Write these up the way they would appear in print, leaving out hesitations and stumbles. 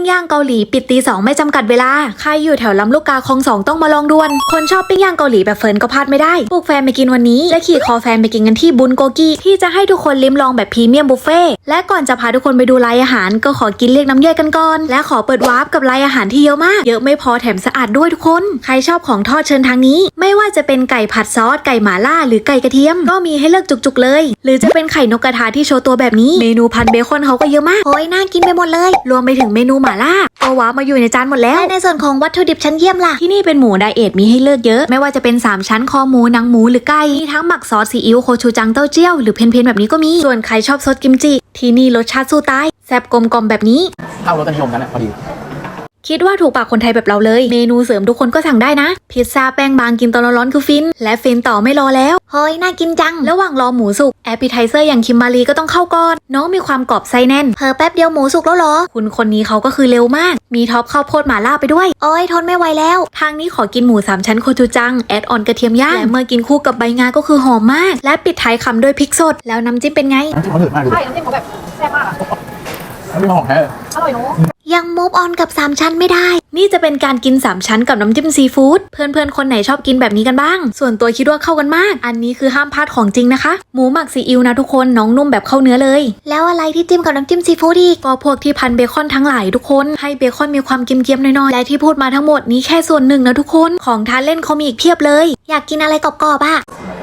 ปิ้งย่างเกาหลีปิดตี 2ไม่จำกัดเวลาใครอยู่แถวลำลูกกาคลอง 2ต้องมาลองด่วนคนชอบปิ้งย่างเกาหลีแบบเฟิร์นก็พลาดไม่ได้ปลุกแฟนไปกินวันนี้และขี่คอแฟนไปกินกันที่บุนโกกิที่จะให้ทุกคนลิ้มลองแบบพรีเมียมบุฟเฟ่และก่อนจะพาทุกคนไปดูรายอาหารก็ขอกินเรียกน้ำย่อยกันก่อนและขอเปิดวาร์ปกับรายอาหารที่เยอะมากเยอะไม่พอแถมสะอาดด้วยทุกคนใครชอบของทอดเชิญทางนี้ไม่ว่าจะเป็นไก่ผัดซอสไก่หม่าล่าหรือไก่กระเทียมก็มีให้เลือกจุกๆเลยหรือจะเป็นไข่นกกระทาที่โชว์ตัวแบบนี้เมนูพันเบคอนเขาก็เยอะมากโอ้ยน่ากินไปหมดเลยรวมไปถึงเมนูหม่าล่าก็ว้ามาอยู่ในจานหมดแล้วในส่วนของวัตถุดิบชั้นเยี่ยมล่ะที่นี่เป็นหมูไดเอทมีให้เลือกเยอะไม่ว่าจะเป็น3ชั้นคอหมูหนังหมูหรือไก่มีทั้งหมักซอสซีอิ๊วโคชูจังเต้าเจี้ยวหรือเพนๆแบบนี้ก็มีส่วนใครชอบซดกิมจิที่นี่รสชาติสู้ตายแซ่บกลมๆแบบนี้เข้ารสนิยมกันแหละพอดีคิดว่าถูกปากคนไทยแบบเราเลยเมนูเสริมทุกคนก็สั่งได้นะพิซซ่าแป้งบางกินตอนร้อนๆคือฟินและฟินต่อไม่รอแล้วเฮ้ยน่ากินจังระหว่างรอหมูสุกแอปเปิลไทเซอร์อย่างคิมมารีก็ต้องเข้าก่อนน้องมีความกรอบไส้แน่นแป๊บเดียวหมูสุกแล้วเหรอคุณคนนี้เขาก็คือเร็วมากมีท็อปข้าวโพดหม่าล่าไปด้วยโอ้ยทนไม่ไหวแล้วทางนี้ขอกินหมู3ชั้นโคชูจังแอดออนกระเทียมย่างและเมื่อกินคู่กับใบงาก็คือหอมมากและปิดท้ายคำด้วยพริกสดแล้วน้ำจิ้มเป็นไงน้ำจิ้มเขาเดือดมากเลยใช่น้ำจิ้มเขาแบบแซ่บมากอะน้ำจิ้มของแท้อร่อยเนาะยังมูฟออนกับ3ชั้นไม่ได้นี่จะเป็นการกิน3ชั้นกับน้ำจิ้มซีฟู้ดเพื่อนๆคนไหนชอบกินแบบนี้กันบ้างส่วนตัวคิดว่าเข้ากันมากอันนี้คือห้ามพลาดของจริงนะคะหมูหมักซีอิ๊วนะทุกคนน้องนุ่มแบบเข้าเนื้อเลยแล้วอะไรที่จิ้มกับน้ำจิ้มซีฟู้ดอีกก็พวกที่พันเบคอนทั้งหลายทุกคนให้เบคอนมีความเค็มๆหน่อยๆและที่พูดมาทั้งหมดนี้แค่ส่วนหนึ่งนะทุกคนของทานเล่นเขามีอีกเพียบเลยอยากกินอะไรกรอบๆอ่ะ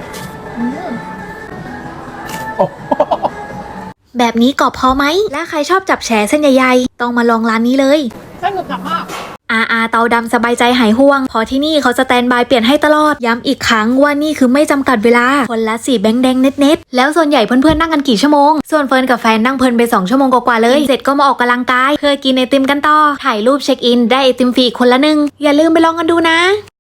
แบบนี้กรอบพอไหมและใครชอบจับแฉเส้นใหญ่ๆต้องมาลองร้านนี้เลยเส้นหนึบหนักมากเตาดำสบายใจหายห่วงเพราะที่นี่เขาสแตนบายเปลี่ยนให้ตลอดย้ำอีกครั้งว่านี่คือไม่จำกัดเวลาคนละ4แบงค์แดงเน็ตๆแล้วส่วนใหญ่เพื่อนๆนั่งกันกี่ชั่วโมงส่วนเฟิร์นกับแฟนนั่งเพลินไป2ชั่วโมงกว่าๆเลยเสร็จก็มาออกกำลังกายเพื่อกินไอติมกันต่อถ่ายรูปเช็คอินได้ไอติมฟรีคนละ1อย่าลืมไปลองกันดูนะ